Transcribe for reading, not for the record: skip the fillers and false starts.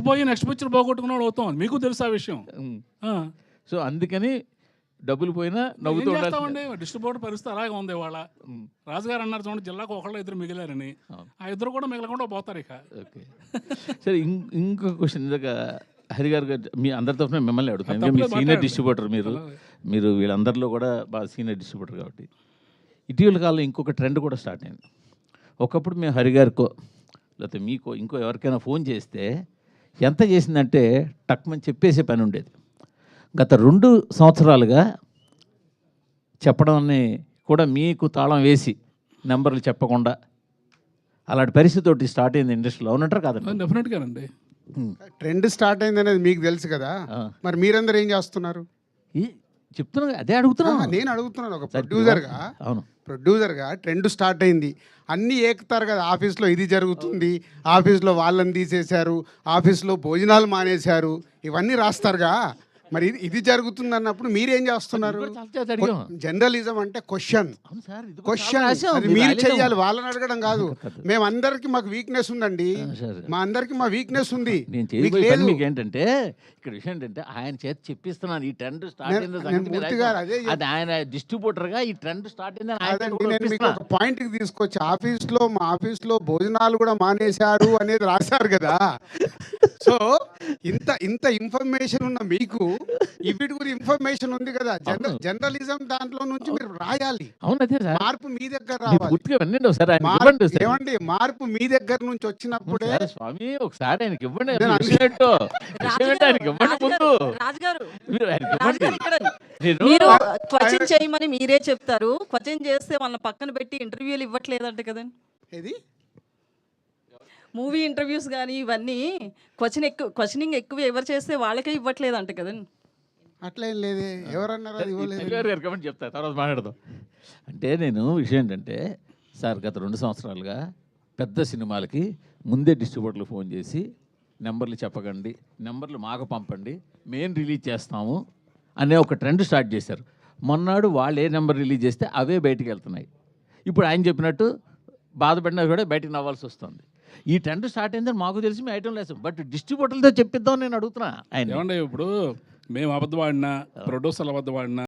పోయి next picture పోగొట్టుకున్నాడు అవుతాం, మీకు తెలుసు ఆ విషయం. సో అందుకని డబ్బులు పోయినా నవ్వుతూ ఉండాలి. చేస్తామండి, డిస్ట్రిబ్యూటర్ పరిస్థితి అలాగే ఉంది ఇవాళ. రాజుగారు అన్నారు చూడండి, జిల్లాకు ఒకళ్ళు ఇద్దరు మిగిలారని, ఆ ఇద్దరు కూడా మిగలకుండా పోతారు ఇక. ఓకే సరే, ఇంకో క్వశ్చన్ ఇందాక హరి గారు మీ అందరి తరఫున మిమ్మల్ని అడుగుతాను. ఇంకా మీ సీనియర్ డిస్ట్రిబ్యూటర్ మీరు వీళ్ళందరిలో కూడా బాగా సీనియర్ డిస్ట్రిబ్యూటర్ కాబట్టి, ఇటీవల కాలంలో ఇంకొక ట్రెండ్ కూడా స్టార్ట్ అయింది. ఒకప్పుడు మేము హరి గారికో లేకపోతే మీకో ఇంకో ఎవరికైనా ఫోన్ చేస్తే ఎంత చేసిందంటే టక్మని చెప్పేసే పని ఉండేది. గత 2 సంవత్సరాలుగా చెప్పడాన్ని కూడా మీకు తాళం వేసి నెంబర్లు చెప్పకుండా అలాంటి పరిస్థితి ఒకటి స్టార్ట్ అయింది ఇండస్ట్రీలో, అవునంటారు కాదండి? డెఫినెట్గానండి. ట్రెండ్ స్టార్ట్ అయింది అనేది మీకు తెలుసు కదా, మరి మీరందరూ ఏం చేస్తున్నారు? చెప్తున్నా, అదే అడుగుతున్నా. నేను అడుగుతున్నాను ఒక ప్రొడ్యూసర్గా. అవును, ప్రొడ్యూసర్గా ట్రెండ్ స్టార్ట్ అయింది, అన్నీ ఏకుతారు కదా. ఆఫీస్లో ఇది జరుగుతుంది, ఆఫీస్లో వాళ్ళని తీసేశారు, ఆఫీస్లో భోజనాలు మానేశారు, ఇవన్నీ రాస్తారుగా. మరి ఇది జరుగుతుంది అన్నప్పుడు మీరేం చేస్తున్నారు? జర్నలిజం అంటే క్వశ్చన్ అది మీరు చెయ్యాలి, వాళ్ళని అడగడం కాదు. మేమందరికి మాకు వీక్నెస్ ఉందండి, మా అందరికి మా వీక్నెస్ ఉంది. మీకు ఏంటంటే ఇక్కడ విషయం ఏంటంటే ఆయన చేతి చెప్పిస్తున్నాను ఈ ట్రెండ్ స్టార్ట్ అయింది, ఆయన డిస్ట్రిబ్యూటర్ గా ఈ ట్రెండ్ స్టార్ట్ అయింది. నేను మీకు ఒక పాయింట్ కి తీసుకొచ్చి మా ఆఫీస్లో భోజనాలు కూడా మానేశారు అనేది రాశారు కదా. సో ఇంత ఇన్ఫర్మేషన్ ఉన్న మీకు వీటి గురించి ఇన్ఫర్మేషన్ ఉంది కదా. జర్నలిజం దాంట్లో నుంచి మీరు రాయాలి. మార్పు మీ దగ్గర రావాలి. ఏమండి, మార్పు మీ దగ్గర నుంచి వచ్చినప్పుడే స్వామి ఒకసారి ఆయనకి ఇవ్వండి. మీరు క్వశ్చన్ చేయమని మీరే చెప్తారు, క్వశ్చన్ చేస్తే వాళ్ళని పక్కన పెట్టి ఇంటర్వ్యూలు ఇవ్వట్లేదంట కదండి. ఏది మూవీ ఇంటర్వ్యూస్ కానీ ఇవన్నీ క్వశ్చనింగ్ ఎక్కువ ఎవరు చేస్తే వాళ్ళకే ఇవ్వట్లేదంట కదండి. అట్లా ఏం లేదే, ఎవరన్నారు అది ఇవ్వలేదు. చెప్తా, తర్వాత మాట్లాడదాం. అంటే నేను విషయం ఏంటంటే సార్, గత 2 సంవత్సరాలుగా పెద్ద సినిమాలకి ముందే డిస్ట్రిబ్యూటర్లు ఫోన్ చేసి నెంబర్లు చెప్పకండి, నెంబర్లు మాకు పంపండి, మేము రిలీజ్ చేస్తాము అనే ఒక ట్రెండ్ స్టార్ట్ చేశారు. మొన్నాడు వాళ్ళు ఏ నెంబర్ రిలీజ్ చేస్తే అవే బయటికి వెళ్తున్నాయి. ఇప్పుడు ఆయన చెప్పినట్టు బాధపడినా కూడా బయటికి నవ్వాల్సి వస్తుంది. ఈ ట్రెండ్ స్టార్ట్ అయిందని మాకు తెలిసి మీ ఐటమ్ లేదు, బట్ డిస్ట్రిబ్యూటర్లతో చెప్పిద్దాం నేను అడుగుతున్నా. ఆయన ఏమండి, ఇప్పుడు మేము అబద్ధం ఆడినా, ప్రొడ్యూసర్లు అబద్ధం ఆడినా,